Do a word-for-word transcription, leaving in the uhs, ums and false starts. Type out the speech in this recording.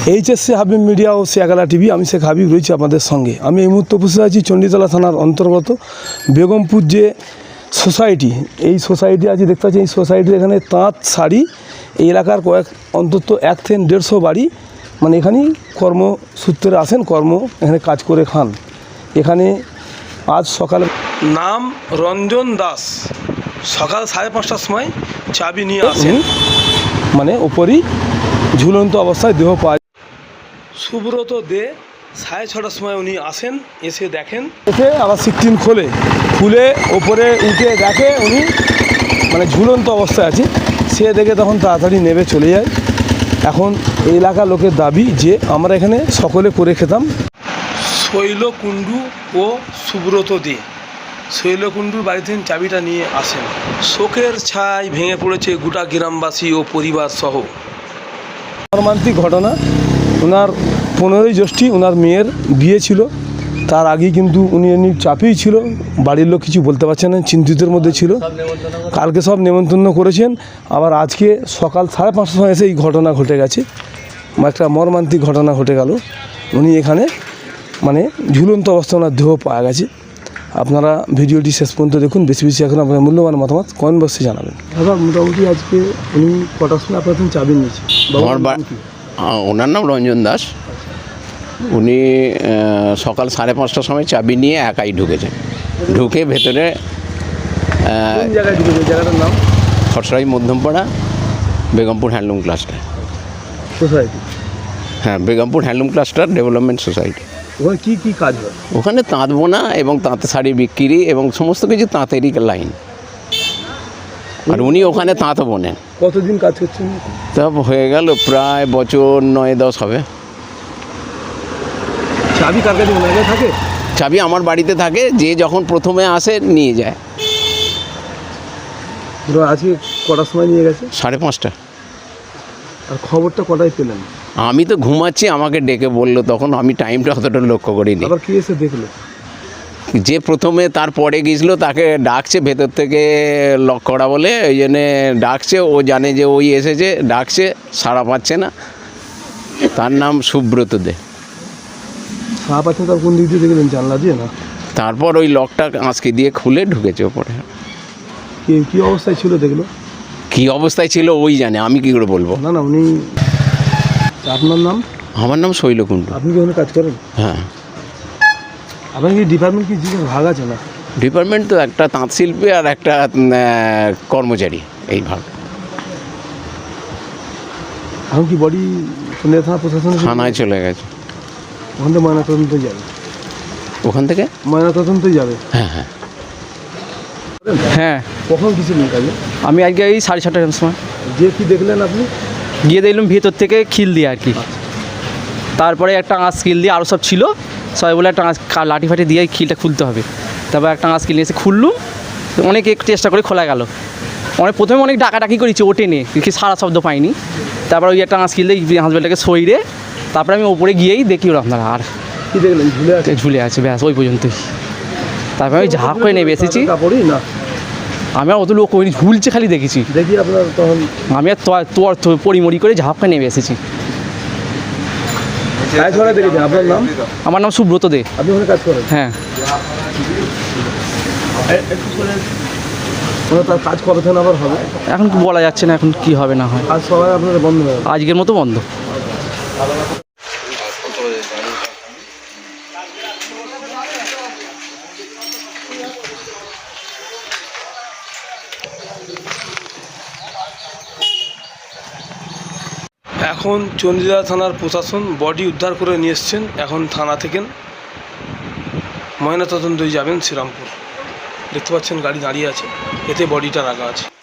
HSC Habib media ও শেখালা TV, আমি শেখ হাবিব রয়েছি আপনাদের সঙ্গে। আমি এই মুহূর্তে উপস্থিত আছি চণ্ডীতলা থানার অন্তর্গত বেগমপুর যে সোসাইটি, এই সোসাইটি আছে দেখতে পাচ্ছি। এই সোসাইটির এখানে তাঁত শাড়ি, এই এলাকার কয়েক অন্তত এক থেকে দেড়শো বাড়ি, মানে এখানেই কর্মসূত্রে আসেন, কর্ম এখানে কাজ করে খান। এখানে আজ সকালে নাম রঞ্জন দাস সকাল সাড়ে পাঁচটার সময় চাবি নিয়ে আসেন, মানে ওপরই ঝুলন্ত অবস্থায় দেহ পাওয়া। সুব্রত দে সাড়ে ছটার সময় উনি আসেন, এসে দেখেন, এসে আবার সিকটিন খোলে, খুলে ওপরে উঠে দেখে উনি মানে ঝুলন্ত অবস্থায় আছে। সে দেখে তখন তাড়াতাড়ি নেমে চলে যায়। এখন এই এলাকার লোকের দাবি যে আমরা এখানে সকলে করে খেতাম। শৈলকুণ্ডু ও সুব্রত দে শৈলকুণ্ডুর বাড়ি থেকে চাবিটা নিয়ে আসেন। শোকের ছাই ভেঙে পড়েছে গোটা গ্রামবাসী ও পরিবার সহ। মর্মান্তিক ঘটনা। ওনার পনেরোই জ্যৈষ্ঠী ওনার মেয়ের বিয়ে ছিল, তার আগেই কিন্তু উনি এমনি চাপেই ছিল, বাড়ির লোক কিছু বলতে পারছেন না, চিন্তিতের মধ্যে ছিল। কালকে সব নেমন্তন্ন করেছেন, আবার আজকে সকাল সাড়ে পাঁচটার সময় এসে এই ঘটনা ঘটে গেছে, একটা মর্মান্তিক ঘটনা ঘটে গেল। উনি এখানে মানে ঝুলন্ত অবস্থা ওনার দেহ পাওয়া গেছে। আপনারা ভিডিওটি শেষ পর্যন্ত দেখুন, বেশি বেশি এখন আপনার মূল্যবান মতামত কমেন্ট বক্সে জানাবেন। দাদা মোটামুটি আজকে উনি কটার সময় আপনার চাবি নিয়েছে? ওনার নাম রঞ্জন দাস। উনি সকাল সাড়ে পাঁচটার সময় চাবি নিয়ে একাই ঢুকেছেন। ঢুকে ভেতরে জায়গায় ঢুকেছে, জায়গাটার নাম খসড়াই Madhyampara Begampur handloom cluster society. হ্যাঁ, Begampur handloom cluster development society. ওখানে কী কী কাজ হয়? ওখানে তাঁত বোনা এবং তাঁত শাড়ি বিক্রি এবং সমস্ত কিছু তাঁতেরই লাইন। আর উনি ওখানে তাঁতও বোনেন। কতদিন কাজ করছেন? তা হয়ে গেল প্রায় বছর নয় দশ হবে। চাবি কার কাছে? ওনার কাছে থাকে? চাবি আমার বাড়িতে থাকে, যে যখন প্রথমে আসে নিয়ে যায়। আজকে কটার সময় নিয়ে গেছে? সাড়ে পাঁচটা। আর খবরটা কটায় পেলেন? আমি তো ঘুমাচ্ছি, আমাকে ডেকে বললো, তখন আমি টাইমটা অতটা লক্ষ্য করিনি। আবার কি এসে দেখলো? যে প্রথমে তারপরে গিয়েছিলো তাকে ডাকছে ভেতর থেকে লক করা বলে, ওই জন্যে ডাকছে। ও জানে যে ওই এসেছে, ডাকছে, সাড়া পাচ্ছে না। তার নাম সুব্রত দে। সাড়া পাচ্ছে তার কোন দিক দিয়ে দেখলেন? জানলা দিয়ে না? তারপর ওই লকটা আঁচকি দিয়ে খুলে ঢুকেছে ওপরে। কি কী অবস্থায় ছিল দেখলো? কী অবস্থায় ছিল ওই জানে, আমি কী করে বলবো। না না উনি, আপনার নাম? আমার নাম শৈলকুণ্ডু। আপনি কি ওখানে কাজ করেন? হ্যাঁ। আপনার কি ডিপার্টমেন্ট কি জিনিস ভাগ আছে না? ডিপার্টমেন্ট তো একটা তাঁত শিল্পী আর একটা কর্মচারী, এই ভাগ। এখন কি বডি থানা প্রশাসন থানায় চলে গেছে। ওখান থেকে ময়নাতদন্তই যাবে? ওখান থেকে ময়নাতদন্তই যাবে? হ্যাঁ হ্যাঁ হ্যাঁ। কখন গেছিলেন কাজে? আমি আজকে এই সাড়ে ছটার সময়। যে কি দেখলেন আপনি? গিয়ে দেখলাম ভেতর থেকে খিল দিয়ে আর কি। তারপরে একটা আঁশ কিল দিয়ে আরও সব ছিল, সবাই বলে একটা আঁশ লাঠি ফাটি দিয়ে খিলটা খুলতে হবে। তারপর একটা আঁশ কিল নিয়ে এসে খুললুম, অনেক একটু চেষ্টা করে খোলা গেল। অনেক প্রথমে অনেক ডাকাডাকি করেছি, ওটে নে, কি সারা শব্দ পাইনি। তারপর ওই একটা আঁশ কিল দিয়ে হাসবেলটাকে সইরে তারপরে আমি ওপরে গিয়েই দেখি ওরা আপনারা আর কি দেখলেন? ঝুলে আছে? ঝুলে আছে, ব্যাস ওই পর্যন্তই। তারপরে আমি ঝাঁপ করে নেমে এসেছি। কাপড়ই না, আমি আর অত লোক ওই ঝুলছে খালি দেখেছি। দেখি আপনার তখন আমি আর তোর পরিমরি করে ঝাঁপ করে নেমে এসেছি। দেখেছেন? আপনার নাম? আমার নাম সুব্রত দে। আপনি ওখানে কাজ করেন? হ্যাঁ। তার কাজ কবে থেকে আবার হবে এখন বলা যাচ্ছে না, এখন কি হবে না হয়। আজ সবাই আপনাদের বন্ধ হবে? আজকের মতো বন্ধ। এখন চণ্ডীতলা থানার প্রশাসন বডি উদ্ধার করে নিয়ে এসছেন। এখন থানা থেকে ময়নাতদন্তই যাবেন শ্রীরামপুর। দেখতে পাচ্ছেন গাড়ি দাঁড়িয়ে আছে, এতে বডিটা রাখা আছে।